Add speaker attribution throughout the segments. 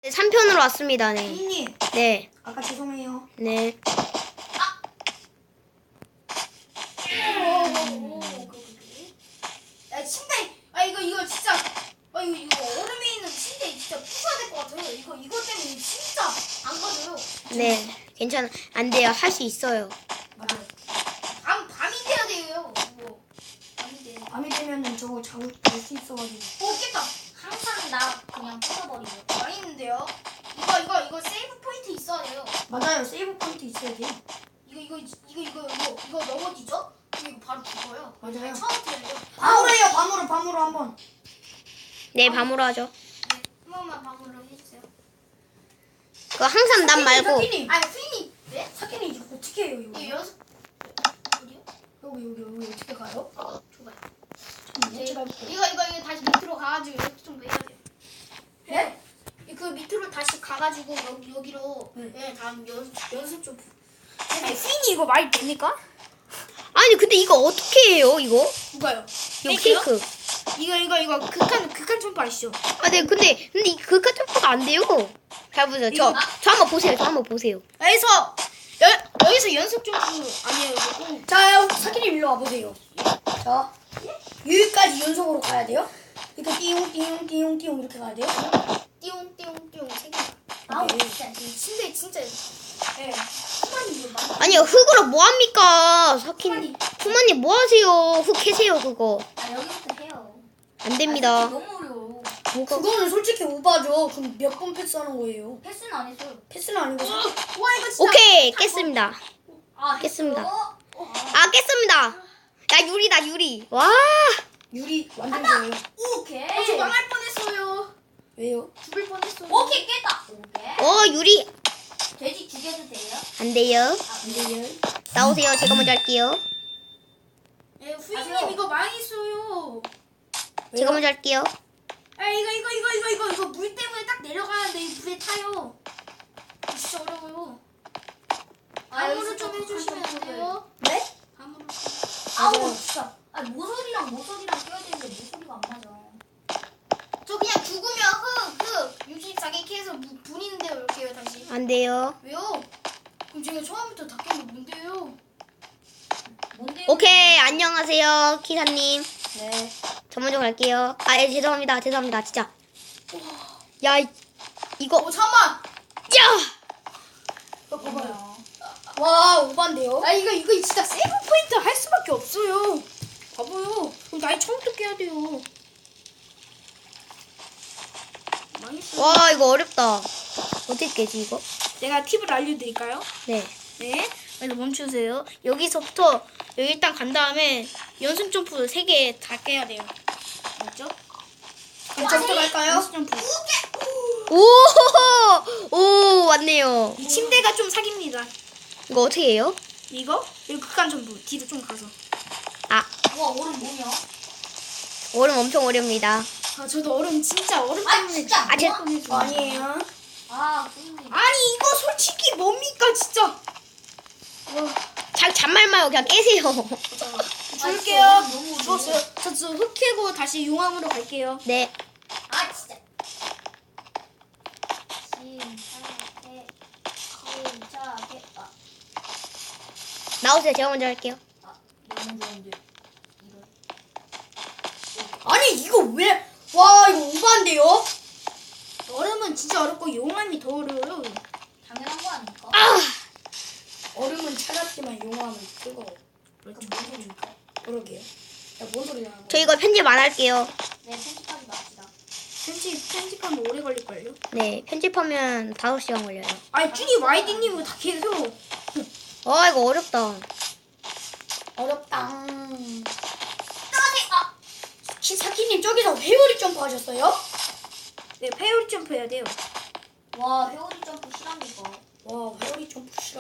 Speaker 1: 3편으로 왔습니다. 네.
Speaker 2: 님
Speaker 1: 네.
Speaker 2: 아까 죄송해요.
Speaker 1: 네.
Speaker 3: 야 침대 이거 진짜 이거 얼음에 있는 침대 진짜 부숴야 될 것 같아요. 이거 때문에 진짜 안 가져요.
Speaker 1: 네. 괜찮아. 안 돼요. 할 수 있어요.
Speaker 2: 맞아요.
Speaker 3: 밤이 돼야 돼요. 이거 밤이 돼.
Speaker 2: 밤이 되면은 저거 자고 잘수 있어가지고.
Speaker 3: 오 깼다.
Speaker 4: 항상 나 그냥 부숴버리고.
Speaker 3: 많이 있는데요. 이거 세이브 포인트 있어야 돼요.
Speaker 2: 맞아요. 세이브 포인트 있어야 돼요.
Speaker 3: 이거 넘어지죠? 그럼 이거 바로 죽어요.
Speaker 2: 맞아요.
Speaker 3: 처음부터 해야 돼요.
Speaker 2: 밤으로 해요. 밤으로 한번.
Speaker 1: 네, 밤으로 하죠.
Speaker 3: 네, 한 번만 방으로 해주세요.
Speaker 1: 그거 항상 난 말고.
Speaker 2: 사키님.
Speaker 3: 아니 프리님 네?
Speaker 2: 사키님 이거 어떻게 해요 이거?
Speaker 3: 이거 연습 어디요?
Speaker 2: 여기 어떻게 가요?
Speaker 3: 줘봐요.
Speaker 2: 네. 제가 해볼게요.
Speaker 3: 이거 다시 밑으로 가가지고 이렇게 좀 해야 돼요.
Speaker 2: 네?
Speaker 3: 그 밑으로 다시 가가지고 여기로
Speaker 2: 네.
Speaker 3: 다음 연습 좀. 아니 프리님 이거 말 됩니까?
Speaker 1: 아니, 근데 이거 어떻게 해요, 이거?
Speaker 3: 누가요?
Speaker 1: 이거 케이크.
Speaker 3: 이거 극한 첨부 아시죠?
Speaker 1: 아, 네. 근데 그 카톡가 안 돼요. 잘 보세요. 저 한번 보세요. 저 한번 보세요.
Speaker 3: 여기서 연습 좀 아니에요 이거.
Speaker 2: 자, 사키님 일로 와보세요. 자, 여기까지 연속으로 가야 돼요. 이렇게 띠용 이렇게 가야 돼요.
Speaker 3: 띠용띠용띠용 세 개.
Speaker 4: 아우
Speaker 2: 네.
Speaker 4: 진짜.
Speaker 3: 이 침대 진짜.
Speaker 2: 네.
Speaker 3: 후만이 이거 많이.
Speaker 1: 아니요, 흙으로 뭐 합니까? 후마님 뭐 하세요? 흙 캐세요, 그거.
Speaker 4: 아 여기부터 해요.
Speaker 1: 안 됩니다.
Speaker 4: 너무 어려워.
Speaker 1: 뭐가.
Speaker 2: 그거는 솔직히 오바죠. 그럼 몇 번 패스하는 거예요?
Speaker 4: 패스는 안 했어요.
Speaker 2: 패스는 아니고
Speaker 3: 와 이거 진짜.
Speaker 1: 오케이, 깼습니다.
Speaker 4: 아
Speaker 1: 깼습니다.
Speaker 4: 했어?
Speaker 1: 아, 깼습니다. 야, 유리다, 유리. 와.
Speaker 2: 유리 완전 좋아요.
Speaker 4: 오케이.
Speaker 3: 저 망할 뻔했어요.
Speaker 2: 왜요?
Speaker 3: 죽을 뻔했어요.
Speaker 4: 오케이 깼다. 오케이.
Speaker 1: 유리.
Speaker 4: 돼지 죽여도 돼요?
Speaker 1: 안 돼요.
Speaker 2: 안 돼요.
Speaker 1: 나오세요. 제가 먼저 할게요.
Speaker 3: 예, 후이님
Speaker 4: 가세요.
Speaker 3: 이거 망했어요.
Speaker 1: 제가 먼저 할게요.
Speaker 3: 아 이거 물 때문에 딱 내려가는데 이 물에 타요. 진짜 어려워요. 밤으로
Speaker 4: 여기서
Speaker 3: 좀 해주시면 안 돼요?
Speaker 2: 네?
Speaker 3: 밤으로.
Speaker 4: 아우 진짜. 아 모서리랑 껴야 되는데 모서리가 안 맞아.
Speaker 3: 저 그냥 죽으면 흙 64개 캐서 부리는 대로 이렇게 해요 다시.
Speaker 1: 안 돼요.
Speaker 3: 왜요? 그럼 제가 처음부터 다 깬 게 뭔데요?
Speaker 4: 뭔데?
Speaker 1: 오케이. 안녕하세요. 기사님.
Speaker 2: 네.
Speaker 1: 저 먼저 갈게요. 아, 예, 죄송합니다. 진짜. 야, 이거.
Speaker 3: 잠깐만.
Speaker 1: 야!
Speaker 2: 봐봐요. 와, 오반데요?
Speaker 3: 아 이거 진짜 세이브 포인트 할 수밖에 없어요. 봐봐요. 그럼 나이 처음부터 깨야 돼요. 망했어.
Speaker 1: 와, 이거 어렵다. 어떻게 깨지, 이거?
Speaker 3: 내가 팁을 알려드릴까요?
Speaker 1: 네.
Speaker 3: 네. 그래서 멈추세요. 여기서부터 여기 일단 간 다음에 연습 점프 3개 다 깨야 돼요. 맞죠?
Speaker 2: 저부터 갈까요?
Speaker 3: 연습 점프.
Speaker 1: 오, 왔네요.
Speaker 3: 이 침대가 좀 사기입니다.
Speaker 1: 이거 어떻게 해요?
Speaker 3: 이거 극한 점프 뒤로 좀 가서.
Speaker 1: 아,
Speaker 4: 와 얼음 뭐냐?
Speaker 1: 얼음 엄청 어렵니다.
Speaker 3: 아 저도 얼음 진짜 얼음
Speaker 4: 아,
Speaker 3: 때문에
Speaker 4: 진짜.
Speaker 1: 아, 제,
Speaker 2: 아니에요.
Speaker 4: 아 선생님.
Speaker 3: 아니 이거 솔직히 뭡니까 진짜.
Speaker 1: 잔말 말고 그냥 깨세요.
Speaker 3: 줄게요.
Speaker 4: 너무
Speaker 3: 죽었어요. 저 흙 캐고 다시 용암으로 갈게요.
Speaker 1: 네.
Speaker 4: 아 진짜. 침착해.
Speaker 1: 나오세요. 제가 먼저 할게요.
Speaker 4: 너무 좋은데. 이거.
Speaker 2: 아니, 이거 왜? 와, 이거 오반데요?
Speaker 3: 얼음은 진짜 어렵고 용암이 더 어려워요.
Speaker 4: 당연한 거 아닙니까?
Speaker 2: 얼음은 차갑지만 용암은 뜨거워.
Speaker 4: 그럼 뭔 소리입니까?
Speaker 2: 그러게요. 야, 뭔 소리야?
Speaker 1: 저 이거 편집 안 할게요.
Speaker 4: 네 편집하지 맙시다.
Speaker 3: 편집하면 오래 걸릴걸요?
Speaker 1: 네. 편집하면 5시간 걸려요.
Speaker 3: 아니 준이 YD님은 다 계속.
Speaker 1: 와, 이거 어렵다.
Speaker 2: 어렵다.
Speaker 4: 아!
Speaker 2: 사키님 저기서 회오리 점프 하셨어요?
Speaker 3: 네 페어리 점프 해야 돼요.
Speaker 4: 와 회오리 점프 실합니까?
Speaker 2: 와, 회오리 점프 싫어?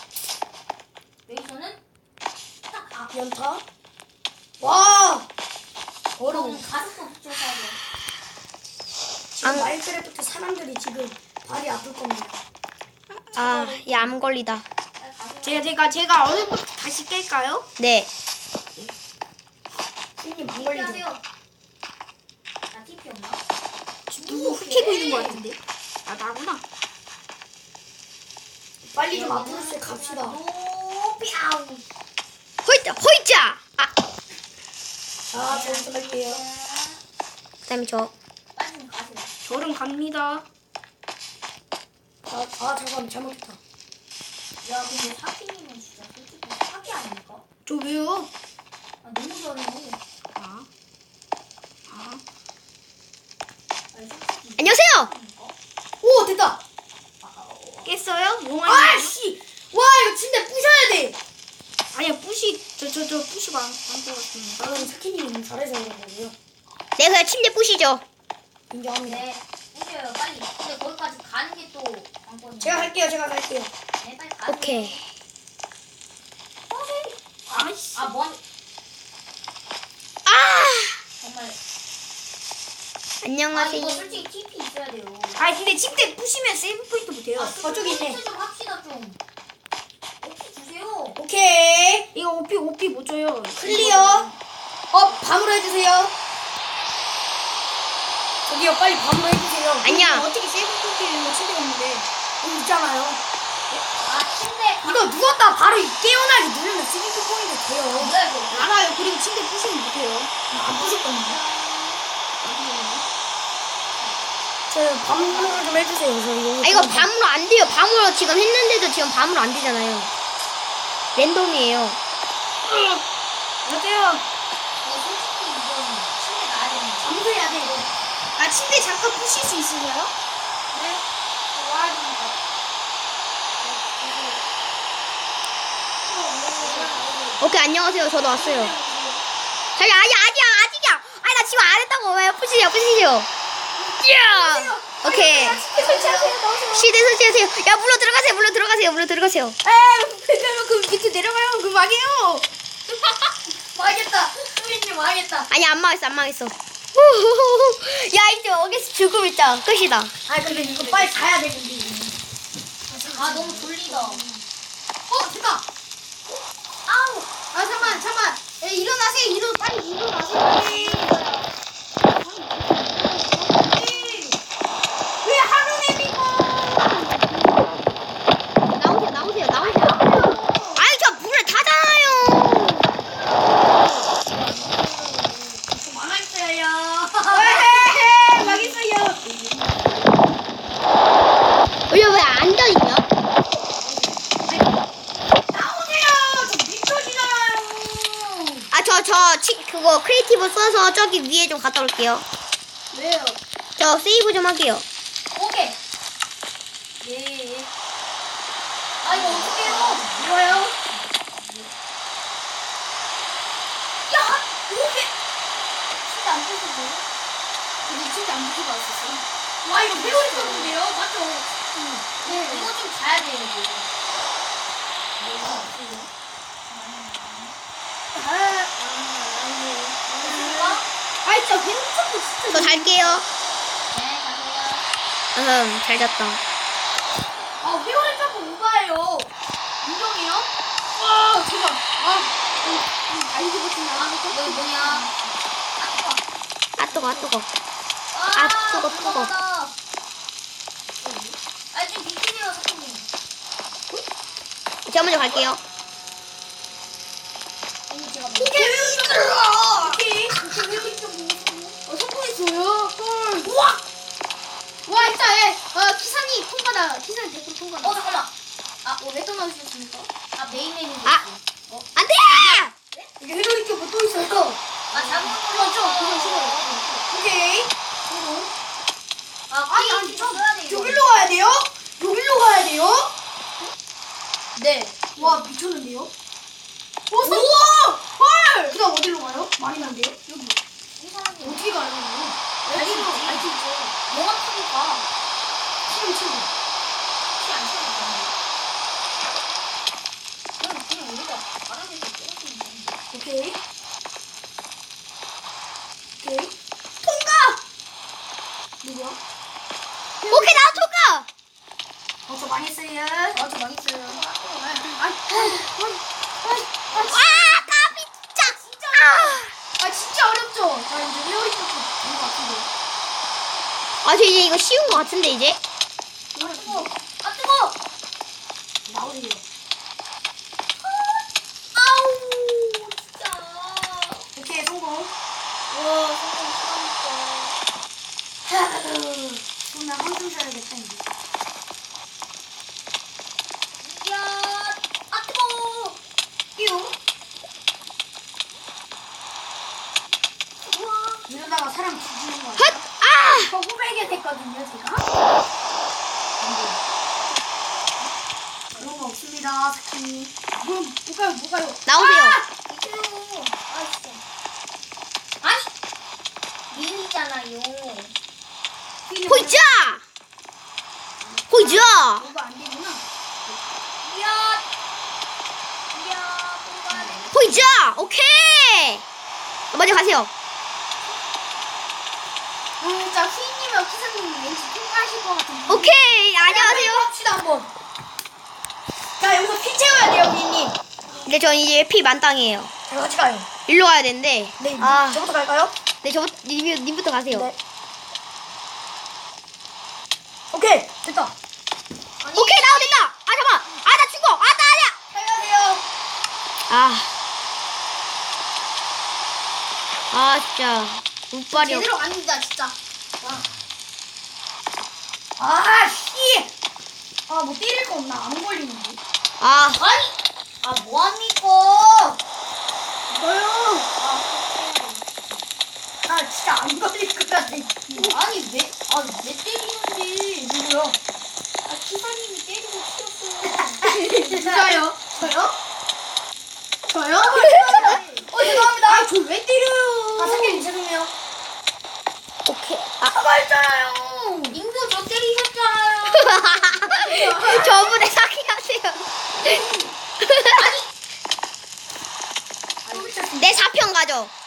Speaker 4: 여기서는 딱
Speaker 2: 연타? 와!
Speaker 4: 어려운
Speaker 2: 어려워.
Speaker 4: 가슴도 붙여서 하죠.
Speaker 2: 지금
Speaker 1: 안-
Speaker 2: 마인크래프트 사람들이 지금 발이 아플 겁니다.
Speaker 1: 아, 얘 암 걸리다.
Speaker 3: 제가 얼음부터 다시 깰까요?
Speaker 1: 네.
Speaker 2: 형님 안 걸리죠?
Speaker 4: 하세요. 나 TP 없나?
Speaker 3: 누구 흑해고 있는 것 같은데? 아 나가.
Speaker 2: 빨리 좀 앞으로 씩 갑시다.
Speaker 4: 높이 아우.
Speaker 1: 호이자 호이자. 아
Speaker 2: 자, 저부터 갈게요.
Speaker 1: 그다음에 저.
Speaker 4: 빨리 좀 가세요.
Speaker 3: 저름 갑니다.
Speaker 2: 잠깐만 잘못했다.
Speaker 4: 야 근데 사기님은 진짜 솔직히 사기 아닙니까?
Speaker 3: 저 왜요?
Speaker 4: 아 너무 잘해.
Speaker 3: 아.
Speaker 4: 아니 솔직히.
Speaker 1: 안녕하세요.
Speaker 4: 아닙니까?
Speaker 2: 오 됐다.
Speaker 3: 깼어요? 용환이.
Speaker 2: 아씨, 와 이거 침대 부셔야 돼.
Speaker 3: 아니야 뿌시 저 뿌시가 안 뽑았습니다.
Speaker 2: 나는 사키님이 너무 잘해서 그런 거고요.
Speaker 1: 네 그냥 침대 부시죠.
Speaker 2: 인정합니다.
Speaker 4: 네. 오세요 빨리. 근데 거기까지 가는 게 또 관건이에요.
Speaker 2: 제가 갈게요. 제가 갈게요.
Speaker 4: 네 빨리 가세요.
Speaker 1: 오케이.
Speaker 3: 아이씨.
Speaker 4: 아 뭔?
Speaker 1: 아
Speaker 4: 정말. 아
Speaker 1: 안녕하세요.
Speaker 4: 이거 솔직히 TP 있어야 돼요.
Speaker 3: 아 근데 침대 부시면 세이브 포인트 못해요.
Speaker 2: 저쪽에 있네.
Speaker 4: 좀 합시다 좀. 오피 주세요.
Speaker 2: 오케이.
Speaker 3: 이거 오피 못 줘요.
Speaker 2: 클리어. 밤으로 해주세요. 저기요 빨리 밤으로 해주세요.
Speaker 1: 아니야.
Speaker 3: 어떻게 세이브 포인트를 침대가 없는데?
Speaker 2: 여기 있잖아요.
Speaker 4: 아 침대.
Speaker 2: 이거 누웠다 바로 깨어나게 누르면 스리프 포인트 돼요.
Speaker 4: 뭐야 이거?
Speaker 3: 알아요. 그리고 침대 부시면 못해요.
Speaker 2: 안 부셨거든요. 저 밤으로 좀 해주세요. 저 이거.
Speaker 1: 아 이거 밤으로 안 돼요. 밤으로 지금 했는데도 지금 밤으로 안 되잖아요. 랜덤이에요.
Speaker 3: 어때요?
Speaker 4: 이거 솔직히 이건 침대 놔야 되는 거.
Speaker 2: 밤새야 돼 이거.
Speaker 3: 아 침대 잠깐 부실 수 있으세요?
Speaker 4: 네? 와야 되니까.
Speaker 1: 오케이 안녕하세요. 저도 왔어요. 자기 아직이야. 아니 나 지금 안 했다고. 왜 부시죠. 야. 오케이. 시대 설치하세요. 야 물로 들어가세요.
Speaker 3: 그 밑에 내려가요. 그 막이에요.
Speaker 4: 망했다. 수빈님 망했다.
Speaker 1: 아니 안 망했어. 야 이제 여기서 죽음 있다. 끝이다.
Speaker 2: 아 근데 이거 빨리 가야 되는데.
Speaker 4: 아 너무 졸리다.
Speaker 2: 됐다.
Speaker 4: 아우.
Speaker 3: 아 잠만. 일어나세요. 빨리 일어나세요. 왜 하루냅니까?
Speaker 1: 나오세요. 아니 저 불을 타잖아요.
Speaker 2: 망했어요.
Speaker 3: 왜 망했어요?
Speaker 1: 왜 안 져있냐?
Speaker 2: 나오세요. 저 미쳐지잖아요.
Speaker 1: 그거 크리에이티브 써서 저기 위에 좀 갔다 올게요.
Speaker 3: 왜요?
Speaker 1: 저 세이브 좀 할게요.
Speaker 4: 오케이. 예. 아 이거 어떡해요?
Speaker 2: 뭐요?
Speaker 4: 야 오케이. 진짜 안 부수고.
Speaker 3: 근데 진짜 안 부시고 왔었어.
Speaker 2: 와 이거 배우 있었는데요? 맞죠?
Speaker 4: 네. 이거 좀 자야 돼요 이거.
Speaker 3: 아이 저 괜찮고 진짜.
Speaker 1: 저 잘게요.
Speaker 4: 네 가세요.
Speaker 1: 잘 잤다.
Speaker 2: 아 회오리 조금 오바예요. 인정해요?
Speaker 3: 제발. 알지 못했나?
Speaker 4: 여기 뭐냐?
Speaker 1: 아 뜨거.
Speaker 4: 뜨거. 아 지금 비키네요 사장님.
Speaker 1: 제가 먼저 갈게요.
Speaker 2: 오케이 회오리 좀 들어가. 오케이.
Speaker 3: 성공했어요. 헐.
Speaker 2: 우와.
Speaker 3: 와 일단 기사님 통과다. 기사님 100% 통과다.
Speaker 4: 잠깐만.
Speaker 3: 왜 떠나주셨습니까?
Speaker 4: 메인 메뉴.
Speaker 1: 아. 안돼!
Speaker 2: 이게 회오리 쪽뭐 또 있어요.
Speaker 4: 잘못 눌렀죠.
Speaker 3: 그건 싫어요.
Speaker 2: 오케이.
Speaker 4: 아니 써야 돼 이거.
Speaker 2: 여기로 가야 돼요? 여기로 가야 돼요?
Speaker 4: 네.
Speaker 2: 와 미쳤는데요? 우와! 헐! 그다음 어디로 가요? 말이 안 돼요? 여기
Speaker 4: 이 사람이
Speaker 2: 어떻게 가야 되나요?
Speaker 4: 알지 알지. 영화 타고 가.
Speaker 2: 치우.
Speaker 4: 피안 치우니까. 그냥 우리가 바람에서 떨어지는 건데.
Speaker 2: 오케이. 통과! 누구야?
Speaker 1: 오케이 나 통과!
Speaker 2: 저 망했어요.
Speaker 4: 저 망했어요.
Speaker 1: 와 까비 진짜!
Speaker 2: 진짜 어렵죠? 자 이제 회오리 쪽된것 같은데.
Speaker 1: 저 이제 이거 쉬운 거 같은데 이제?
Speaker 4: 뜨거. 뜨거. 나오세요.
Speaker 3: 아우 진짜.
Speaker 2: 오케이, 성공.
Speaker 3: 와 성공 싫어하니까.
Speaker 2: 그럼 나 한숨 쉬어야겠다, 이제.
Speaker 3: 야 아뜨거.
Speaker 2: 띠용.
Speaker 3: 우와.
Speaker 2: 이러다가 사람 죽이는 거
Speaker 1: 헛!
Speaker 2: 아니야?
Speaker 1: 아!
Speaker 3: 저 후배게 됐거든요 제가.
Speaker 2: 그런 거 없습니다, 스키.
Speaker 3: 뭐가요?
Speaker 1: 나오세요.
Speaker 3: 이거요. 아 진짜. 아니. 민이잖아요.
Speaker 1: 호이자! 호이자!
Speaker 3: 이거 안 되구나. 이야. 이야. 뭐가 돼?
Speaker 1: 호이자! 오케이! 먼저 가세요.
Speaker 3: 진짜 휘님이랑 키사님이 왠지 통과하실 것 같은데.
Speaker 1: 오케이! 안녕하세요.
Speaker 2: 합시다, 한번. 자, 여기서 피 채워야 돼요, 비님.
Speaker 1: 근데 전 이제 피 만땅이에요.
Speaker 2: 자, 같이 가요.
Speaker 1: 일로 가야 되는데.
Speaker 2: 네,
Speaker 1: 아,
Speaker 2: 저부터 갈까요?
Speaker 1: 네, 님부터 가세요.
Speaker 2: 네. 오케이, 됐다.
Speaker 1: 오케이, 나와, 됐다! 아, 잠깐만! 아, 나 죽어! 아, 나 아니야!
Speaker 2: 살려주세요.
Speaker 1: 아. 아, 진짜. 운빨이 없.
Speaker 3: 제대로 갑니다 진짜.
Speaker 2: 아, 씨. 아, 뭐 때릴 거 없나? 안 걸리는데.
Speaker 1: 아,
Speaker 3: 아니. 아 뭐합니까?
Speaker 2: 이거요. 아, 진짜 안 걸릴 것 같아.
Speaker 3: 아니 왜 때리는데?
Speaker 2: 누구요?
Speaker 3: 아 키사님이 때리고 튀었어요.
Speaker 2: 누가요?
Speaker 3: 저요? 저요?
Speaker 2: 죄송합니다.
Speaker 3: 저 왜 때려요?
Speaker 2: 아, 사장님 죄송해요.
Speaker 1: 오케이.
Speaker 2: 사과했잖아요.
Speaker 3: 인구 저 때리셨잖아요.
Speaker 1: 저분의 사기하세요. 내 4편 가죠.